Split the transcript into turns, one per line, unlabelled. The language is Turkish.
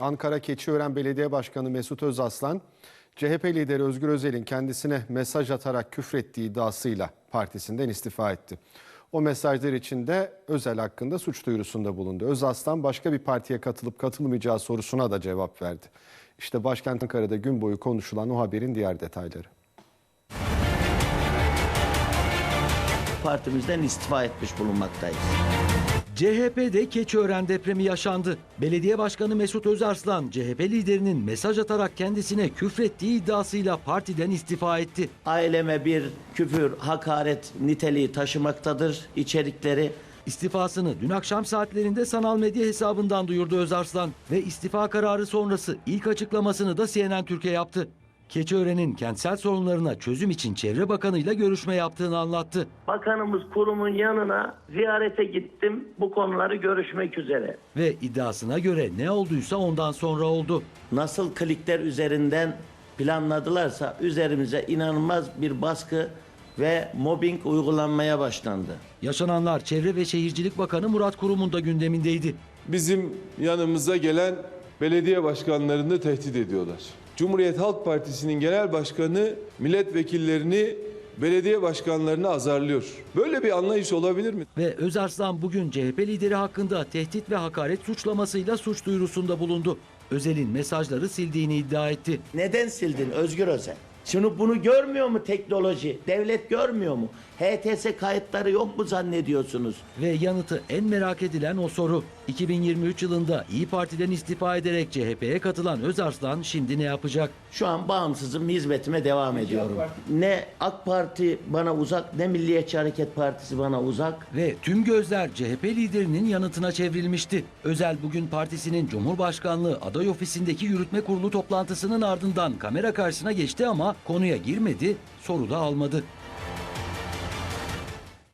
Ankara Keçiören Belediye Başkanı Mesut Özaslan, CHP lideri Özgür Özel'in kendisine mesaj atarak küfrettiği iddiasıyla partisinden istifa etti. O mesajlar içinde Özel hakkında suç duyurusunda bulundu. Özaslan başka bir partiye katılıp katılmayacağı sorusuna da cevap verdi. İşte başkent Ankara'da gün boyu konuşulan o haberin diğer detayları.
Partimizden istifa etmiş bulunmaktayız.
CHP'de Keçiören depremi yaşandı. Belediye Başkanı Mesut Özarslan, CHP liderinin mesaj atarak kendisine küfrettiği iddiasıyla partiden istifa etti.
Aileme bir küfür, hakaret niteliği taşımaktadır içerikleri.
İstifasını dün akşam saatlerinde sanal medya hesabından duyurdu Özarslan ve istifa kararı sonrası ilk açıklamasını da CNN Türkiye yaptı. Keçiören'in kentsel sorunlarına çözüm için Çevre Bakanı'yla görüşme yaptığını anlattı.
Bakanımız kurumun yanına ziyarete gittim bu konuları görüşmek üzere.
Ve iddiasına göre ne olduysa ondan sonra oldu.
Nasıl klikler üzerinden planladılarsa üzerimize inanılmaz bir baskı ve mobbing uygulanmaya başlandı.
Yaşananlar Çevre ve Şehircilik Bakanı Murat Kurum'un da gündemindeydi.
Bizim yanımıza gelen belediye başkanlarını tehdit ediyorlar. Cumhuriyet Halk Partisi'nin genel başkanı milletvekillerini belediye başkanlarını azarlıyor. Böyle bir anlayış olabilir mi?
Ve Özarslan bugün CHP lideri hakkında tehdit ve hakaret suçlamasıyla suç duyurusunda bulundu. Özel'in mesajları sildiğini iddia etti.
Neden sildin Özgür Özel? Şimdi bunu görmüyor mu teknoloji? Devlet görmüyor mu? HTS kayıtları yok mu zannediyorsunuz?
Ve yanıtı en merak edilen o soru. 2023 yılında İyi Parti'den istifa ederek CHP'ye katılan Özarslan şimdi ne yapacak?
Şu an bağımsızım, hizmetime devam ediyorum. Ne AK Parti bana uzak, ne Milliyetçi Hareket Partisi bana uzak.
Ve tüm gözler CHP liderinin yanıtına çevrilmişti. Özel bugün partisinin Cumhurbaşkanlığı aday ofisindeki yürütme kurulu toplantısının ardından kamera karşısına geçti ama konuya girmedi, soru da almadı.